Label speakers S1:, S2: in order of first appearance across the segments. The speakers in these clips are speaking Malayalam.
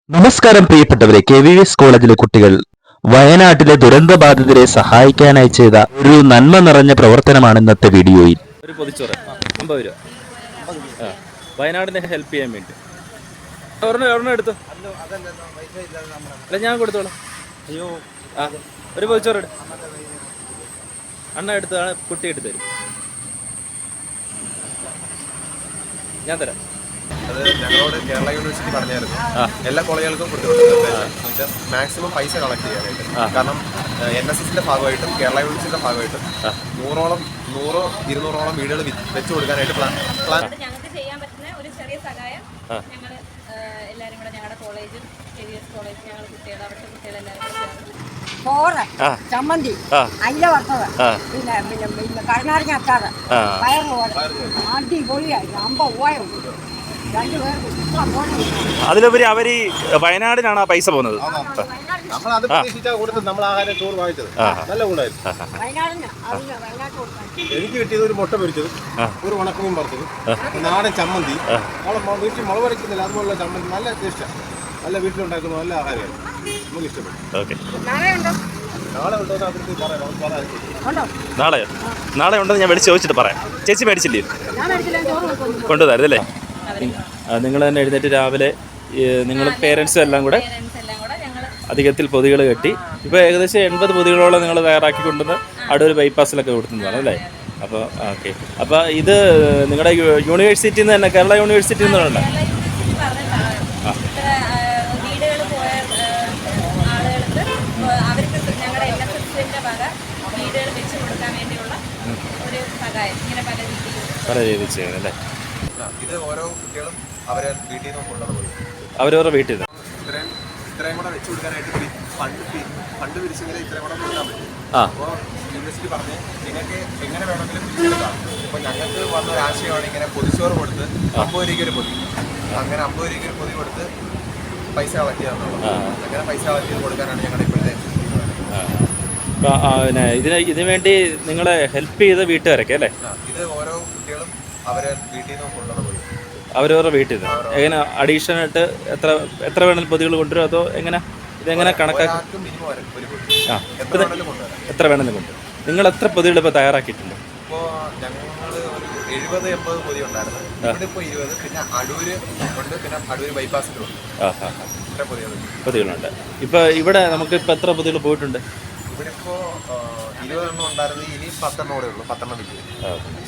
S1: നമസ്കാരം പ്രിയപ്പെട്ടവരെ. KVS കോളേജിലെ കുട്ടികൾ വയനാട്ടിലെ ദുരന്തബാധിതരെ സഹായിക്കാനായി ചെയ്ത ഒരു നന്മ നിറഞ്ഞ പ്രവർത്തനമാണ് ഇന്നത്തെ വീഡിയോയിൽ.
S2: ഒരു പൊതിച്ചോറ് 50 രൂപ. വയനാടിനെ ഹെൽപ്പ് ചെയ്യാൻ വേണ്ടി ഒരെണ്ണം എടുത്തു. അല്ല, ഞാൻ കൊടുത്തോളാം. അയ്യോ, ഒരു പൊതിച്ചോറ് എടു. അണ്ണ എടുത്താണ്, കുട്ടി എടുത്തു തരും. ഞാൻ തരാം.
S3: അത് ഞങ്ങളോട് കേരള യൂണിവേഴ്സിറ്റി പറഞ്ഞായിരുന്നു എല്ലാ കോളേജുകൾക്കും കൊടുത്തിട്ടുണ്ട്. മാക്സിമം പൈസ കളക്ട് ചെയ്യാനായിട്ട്. കാരണം NSSന്റെ ഭാഗമായിട്ടും കേരള യൂണിവേഴ്സിറ്റിയുടെ ഭാഗമായിട്ടും 100-200 വീടുകൾ വെച്ചു കൊടുക്കാനായിട്ട് പ്ലാൻ.
S4: ഞങ്ങൾക്ക് ചെയ്യാൻ പറ്റുന്ന ഒരു ചെറിയ സഹായം ഞങ്ങൾ എല്ലാവരും കൂടെ ഞങ്ങളുടെ കോളേജും KVS കോളേജ് ഞങ്ങൾ കുട്ടികൾ അവിടുത്തെ കുട്ടികളെല്ലാവരും ചോറ്, ചമ്മന്തി, അയില വറുത്തത്, പിന്നെ കരുനാരങ്ങ അച്ചാറ്, പയറുപോലെ അടിപൊളിയായി 50 രൂപ.
S2: അതിലുപരി അവർ ഈ വയനാടിനാണ് ആ പൈസ പോകുന്നത്.
S3: എനിക്ക് കിട്ടിയത് ഒരു മുട്ട പൊരിച്ചത്, ഒരു ഉണക്കമീൻ പറിച്ചത്, നാടൻ ചമ്മന്തി, വീട്ടിൽ മുളക് വരയ്ക്കുന്നില്ല അതുപോലുള്ള ചമ്മന്തി. നല്ല ടേസ്റ്റാണ്, നല്ല വീട്ടിലുണ്ടാക്കുന്ന നല്ല ആഹാരമാണ്, നമുക്ക് ഇഷ്ടപ്പെട്ടു.
S2: നാളെ ഉണ്ടെന്ന് ഞാൻ വിളിച്ച് ചോദിച്ചിട്ട് പറയാം. ചേച്ചി മേടിച്ചില്ലേ? കൊണ്ടുവന്നായിരുന്നല്ലേ? നിങ്ങൾ തന്നെ എഴുന്നേറ്റ് രാവിലെ നിങ്ങൾ പേരൻസും എല്ലാം കൂടെ അധികത്തിൽ പൊതികൾ കെട്ടി ഇപ്പോൾ ഏകദേശം 80 പൊതികളോളം നിങ്ങൾ തയ്യാറാക്കി കൊണ്ടുവന്ന് അടൂർ ബൈപ്പാസിലൊക്കെ കൊടുക്കുന്നതാണ് അല്ലേ? അപ്പോൾ ഓക്കെ. അപ്പോൾ ഇത് നിങ്ങളുടെ യൂണിവേഴ്സിറ്റിയിൽ നിന്ന് തന്നെ, കേരള യൂണിവേഴ്സിറ്റിയിൽ നിന്നുണ്ട്. പല രീതിയിൽ ചെയ്യുന്നല്ലേ?
S3: ഇത് ഓരോ കുട്ടികളും അവരെ വീട്ടിൽ നിന്ന് കൊണ്ടുപോയി
S2: അവരവരുടെ വീട്ടിൽ നിന്ന്
S3: ഇത്രയും കൂടെ വെച്ച് കൊടുക്കാനായിട്ട് ഫണ്ട് പിരിച്ചെങ്കിൽ ഇത്രയും കൂടെ കൊടുക്കാൻ പറ്റും. അപ്പോൾ യൂണിവേഴ്സിറ്റി പറഞ്ഞ് നിങ്ങൾക്ക് എങ്ങനെ വേണമെങ്കിലും പിരിച്ചെടുക്കാം. ഇപ്പോൾ ഞങ്ങൾക്ക് വന്ന ഒരു ആശയമാണ് ഇങ്ങനെ പൊതിച്ചോറ് കൊടുത്ത് 50 രൂപയ്ക്ക് ഒരു പൊതി, അങ്ങനെ 50 രൂപയ്ക്ക് ഒരു പൊതി കൊടുത്ത് പൈസ കളക്ട് ചെയ്യാന്നുള്ളത്. അങ്ങനെ പൈസ കളക്ട് ചെയ്ത് കൊടുക്കാനാണ് ഞങ്ങളുടെ ഇപ്പോഴത്തെ.
S2: പിന്നെ ഇതിനു വേണ്ടി നിങ്ങളെ ഹെൽപ്പ് ചെയ്ത വീട്ടുകാരൊക്കെ അല്ലേ?
S3: ഇത് ഓരോ കുട്ടികളും അവരെ വീട്ടിൽ നിന്ന് കൊണ്ടുപോയി
S2: അവരവരുടെ വീട്ടിൽ നിന്ന് എങ്ങനെ അഡീഷണൽ ആയിട്ട് എത്ര വേണമെങ്കിലും പൊതികൾ കൊണ്ടുവരും? അതോ എങ്ങനെ ഇതെങ്ങനെ കണക്കാക്കും? എത്ര വേണമെങ്കിലും കൊണ്ടുവരും. നിങ്ങൾ എത്ര പൊതികൾ ഇപ്പോൾ തയ്യാറാക്കിയിട്ടുണ്ട്?
S3: ഇപ്പോൾ ഞങ്ങൾ ഒരു 70-80 പൊതി ഉണ്ടായിരുന്നു. ഇവിടെ ഇപ്പോൾ 20. പിന്നെ അടൂര് ഉണ്ട്, പിന്നെ അടൂര് ബൈപ്പാസിലുണ്ട്. ഇത്ര
S2: പൊതികളുണ്ട്. ഇപ്പോൾ ഇവിടെ നമുക്ക് ഇപ്പോൾ എത്ര പൊതികൾ പോയിട്ടുണ്ട്?
S3: ഇവിടെ ഇപ്പോൾ 20 എണ്ണം ഉണ്ടായിരുന്നു. ഇനി 10 എണ്ണം കൂടെ ഉള്ളൂ. 10 എണ്ണം വിൽക്കും.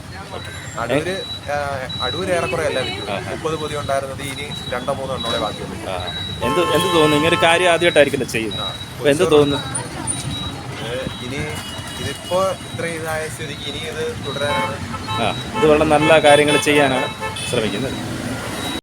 S3: അടൂര് ഏറെക്കുറെ എല്ലാം വിൽക്കും. 30 പൊതി ഉണ്ടായിരുന്നത് ഇനി 2-3 എണ്ണോടെ ബാക്കിയുള്ളൂ.
S2: എന്ത് തോന്നുന്നു? ഇങ്ങനെ ഒരു കാര്യം ആദ്യമായിട്ടായിരിക്കില്ല ചെയ്യുന്നത്. അപ്പോൾ എന്ത് തോന്നുന്നു?
S3: ഇനി ഇതിപ്പോൾ ഇത്രയും ഇതായ സ്ഥിതിക്ക് ഇനി ഇത് തുടരാനാണ്.
S2: ഇത് വളരെ നല്ല കാര്യങ്ങൾ ചെയ്യാനാണ് ശ്രമിക്കുന്നത്.